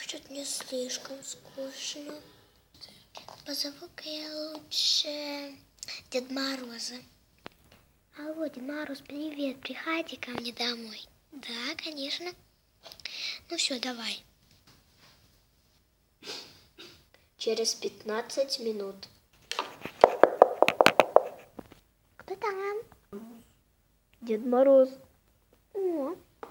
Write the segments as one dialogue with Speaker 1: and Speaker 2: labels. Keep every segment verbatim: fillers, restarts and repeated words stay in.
Speaker 1: Что-то мне слишком скучно. Позову-ка я лучше Деда Мороза. Алло, Дед Мороз, привет, приходи ко мне домой. Да, конечно. Ну все, давай. Через пятнадцать минут. Кто там? Дед Мороз. О.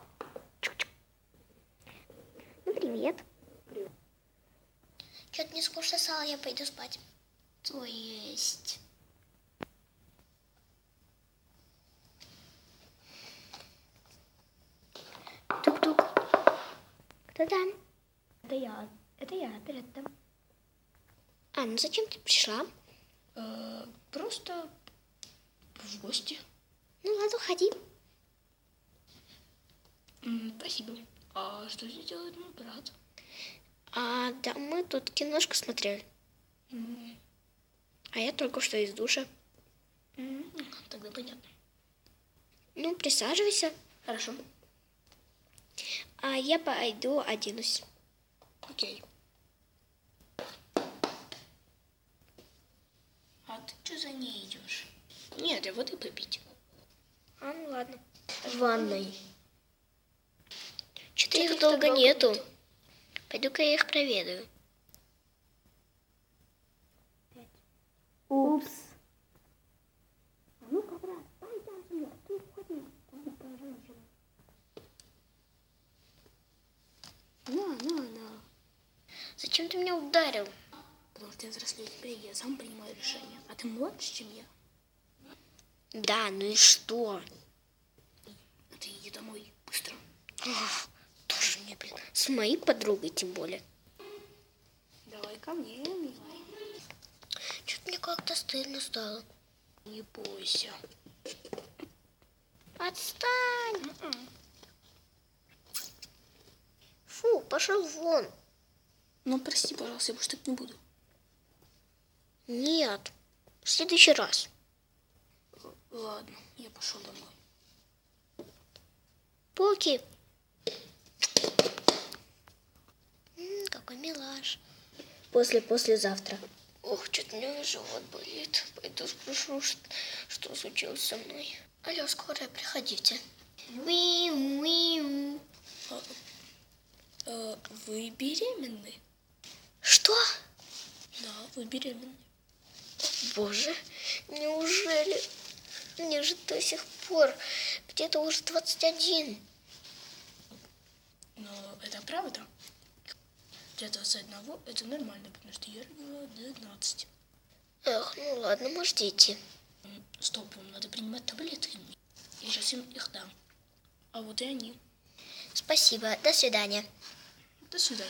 Speaker 1: Ну, привет. Привет. Что-то мне скучно стало, я пойду спать. То есть... Тук-тук. Кто там?
Speaker 2: Это я. Это я, привет там.
Speaker 1: А, ну зачем ты пришла?
Speaker 2: Э, просто в гости.
Speaker 1: Ну ладно, ходи.
Speaker 2: М, спасибо. А что здесь делает мой брат?
Speaker 1: А, да, мы тут киношку смотрели.
Speaker 2: М,
Speaker 1: А я только что из душа.
Speaker 2: м, Тогда понятно.
Speaker 1: Ну, присаживайся.
Speaker 2: Хорошо.
Speaker 1: А я пойду оденусь.
Speaker 2: Окей. А ты что за ней идешь? Нет, я воды попить.
Speaker 1: А, ну ладно.
Speaker 2: В ванной.
Speaker 1: Что-то их долго нету. Пойду-ка я их проведаю.
Speaker 2: Упс. А ну-ка, брат, пойдем со мной. Ты входи. На, на, на.
Speaker 1: Зачем ты меня ударил?
Speaker 2: Потому что я взрослее тебя, и я сам принимаю решения. А ты младше, чем я.
Speaker 1: Да, ну и что?
Speaker 2: А ты иди домой. Быстро.
Speaker 1: Ах, тоже мне, блин. С моей подругой тем более.
Speaker 2: Давай ко мне, милый.
Speaker 1: Что-то мне как-то стыдно стало.
Speaker 2: Не бойся.
Speaker 1: Отстань!
Speaker 2: М-м.
Speaker 1: Фу, пошел вон.
Speaker 2: Ну, прости, пожалуйста, я больше так не буду.
Speaker 1: Нет, в следующий раз.
Speaker 2: Ладно, я пошел домой.
Speaker 1: Поки. М, какой милаш. После-послезавтра. Ох, что-то у меня живот болит. Пойду спрошу, что, что случилось со мной. Алло, скорая, приходите. Уиу, уиу.
Speaker 2: А, а, вы беременны?
Speaker 1: Что?
Speaker 2: Да, вы беременны.
Speaker 1: Боже, неужели? Мне же до сих пор где-то уже двадцать один.
Speaker 2: Но это правда. Для двадцати одного это нормально, потому что я родила двенадцать.
Speaker 1: Эх, ну ладно, можете идти.
Speaker 2: М, Стоп, вам надо принимать таблетки. Я сейчас им их дам. А вот и они.
Speaker 1: Спасибо, до свидания.
Speaker 2: До свидания.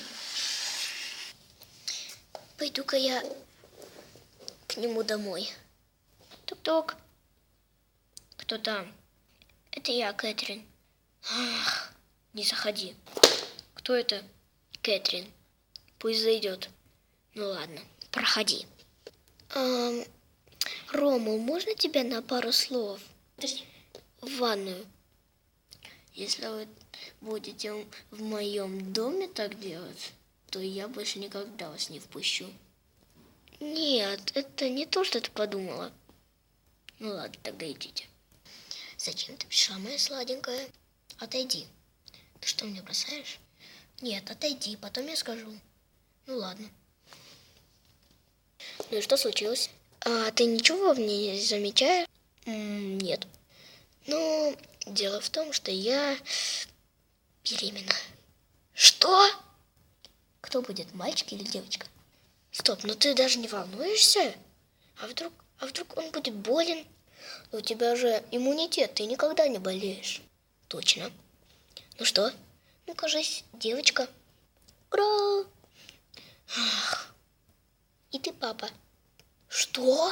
Speaker 1: Пойду-ка я к нему домой. Тук-тук. Кто там? Это я, Кэтрин. Ах, не заходи. Кто это? Кэтрин. Пусть зайдет. Ну ладно, проходи. Эм, Рома, можно тебя на пару слов?
Speaker 2: Подожди.
Speaker 1: В ванную. Если вы будете в моем доме так делать, то я больше никогда вас не впущу. Нет, это не то, что ты подумала. Ну ладно, тогда идите. Зачем ты пришла, моя сладенькая? Отойди. Ты что, меня бросаешь? Нет, отойди, потом я скажу. Ну ладно. Ну и что случилось? А ты ничего в ней не замечаешь? М, нет. Ну, дело в том, что я беременна. Что? Кто будет, мальчик или девочка? Стоп, ну ты даже не волнуешься? А вдруг, а вдруг он будет болен? У тебя же иммунитет, ты никогда не болеешь. Точно. Ну что? Ну, кажись, девочка. Ура! Ах. И ты папа. Что?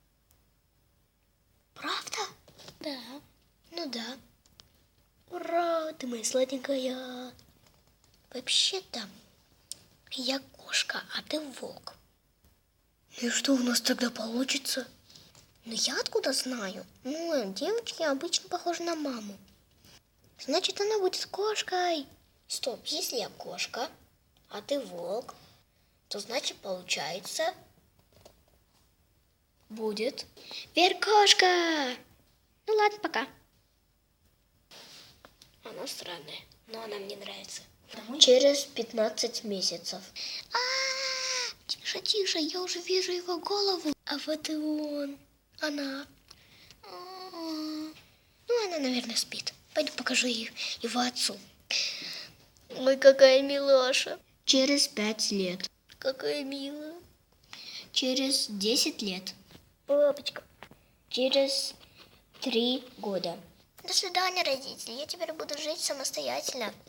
Speaker 1: Правда? Да. Ну да. Ура, ты моя сладенькая. Вообще-то я кошка, а ты волк. И что у нас тогда получится? Ну я откуда знаю? Ну, девочки обычно похожи на маму. Значит, она будет кошкой. Стоп, если я кошка, а ты волк, то значит получается будет Веркошка. Ну ладно, пока. Она странная, но она мне нравится.
Speaker 2: Домой?
Speaker 1: Через пятнадцать месяцев. А, тише, тише, я уже вижу его голову. А вот и он, она. Ну, она, наверное, спит. Пойду покажу ей его отцу. Ой, какая милаша. Через пять лет. Какая милая. Через десять лет. Папочка. Через три года. До свидания, родители. Я теперь буду жить самостоятельно.